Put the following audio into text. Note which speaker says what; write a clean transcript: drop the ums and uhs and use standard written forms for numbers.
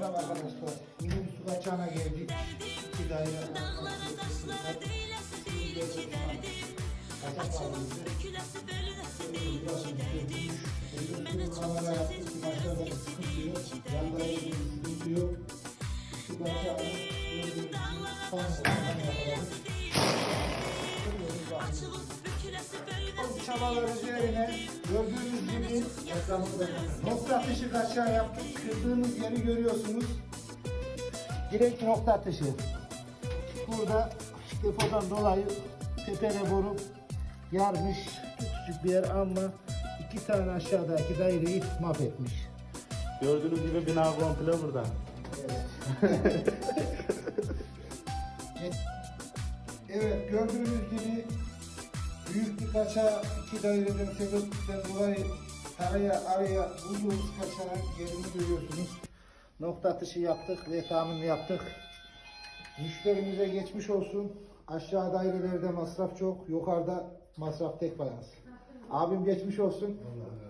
Speaker 1: Merhaba arkadaşlar. Yine bir su kaçağına geldik. İki daire. Kaçak bağlıydı. Kamera yaptık. Maçlarda bir sıkıntı yok. Yan dairede bir sıkıntı yok. Su kaçağını son sıkıntı yapalım. Bu çabalar üzerine gördüğünüz gibi nokta atışı kaçağı yaptık. Kırdığımız yeri görüyorsunuz. Direkt nokta atışı. Burada depodan dolayı tepene boru yarmış. Küçük bir yer ama iki tane aşağıdaki daireyi mahvetmiş.
Speaker 2: Gördüğünüz gibi bina komple burada.
Speaker 1: Evet. Evet, gördüğünüz gibi büyük bir kaçağı iki daireden sebepten dolayı araya bulduğumuz kaçağın yerini görüyorsunuz. Nokta atışı yaptık ve tahmin yaptık. Müşterimize geçmiş olsun. Aşağı dairelerde masraf çok, yukarıda masraf tek fayans. Abim geçmiş olsun.